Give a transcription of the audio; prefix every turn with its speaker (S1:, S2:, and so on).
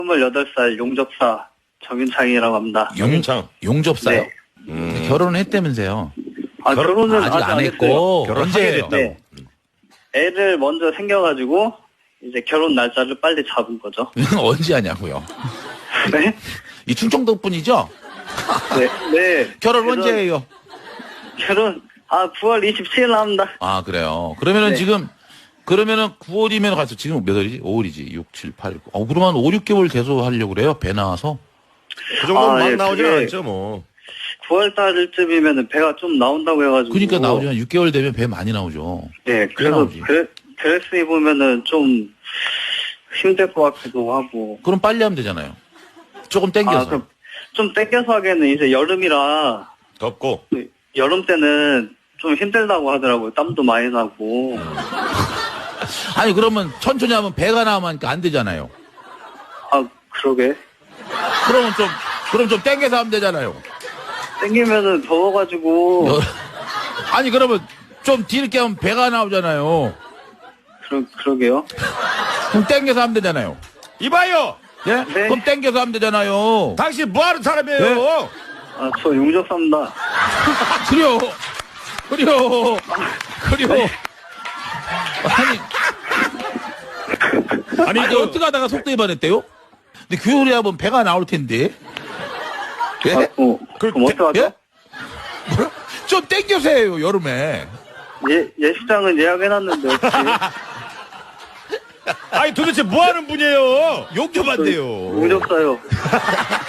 S1: 28살 용접사 정윤창이라고 합니다.
S2: 용윤창.
S3: 용접사요?
S1: 네.
S3: 결혼을 했다면서요.
S1: 결혼은
S3: 아직 안 했고.
S2: 결혼하게
S3: 언제
S2: 됐다고.
S1: 네. 애를 먼저 생겨가지고 이제 결혼 날짜를 빨리 잡은 거죠.
S3: 언제 하냐고요.
S1: 네?
S3: 이 충청도 분이죠?
S1: 네. 네.
S3: 결혼 언제 해요?
S1: 결혼 9월 27일 합니다.
S3: 아, 그래요. 그러면은
S1: 네.
S3: 지금, 그러면은 9월이면 가서 지금 몇 월이지? 5월이지. 6, 7, 8, 9. 그러면 5, 6개월 돼서 하려고 그래요? 배 나와서?
S2: 그 정도는 막
S1: 예,
S2: 나오진
S1: 그게-
S2: 않죠, 뭐.
S1: 9월 달쯤이면은 배가 좀 나온다고 해가지고.
S3: 그러니까 나오지만 6개월 되면 배 많이 나오죠.
S1: 네.
S3: 꽤
S1: 그래서
S3: 나오지.
S1: 드레스 입으면은 좀 힘들 것 같기도 하고.
S3: 그럼 빨리 하면 되잖아요. 조금 땡겨서.
S1: 그럼 좀 땡겨서 하기에는 이제 여름이라
S2: 덥고.
S1: 여름 때는 좀 힘들다고 하더라고요. 땀도 많이 나고.
S3: 아니, 그러면 천천히 하면 배가 나오면 안 되잖아요.
S1: 그러게.
S3: 그럼 좀 땡겨서 하면 되잖아요.
S1: 땡기면은 더워가지고.
S3: 아니, 그러면 좀 뒤늦게 하면 배가 나오잖아요.
S1: 그러게요.
S3: 그럼 땡겨서 하면 되잖아요.
S2: 이봐요!
S3: 예?
S1: 네.
S3: 그럼 땡겨서 하면 되잖아요.
S2: 당신 뭐 하는 사람이에요?
S3: 네?
S1: 저 용접사입니다.
S3: 그래요. 아니, 어떻게 하다가 속도 위반했대요? 근데 교열해 하면 배가 나올 텐데. 예?
S1: 그럼 어떡하죠?
S3: 예? 뭐라? 좀 땡겨서 해요, 여름에.
S1: 예식장은 예약해놨는데, 혹시.
S2: 아니, 도대체 뭐 하는 분이에요?
S3: 용접한대요.
S1: 용접사요.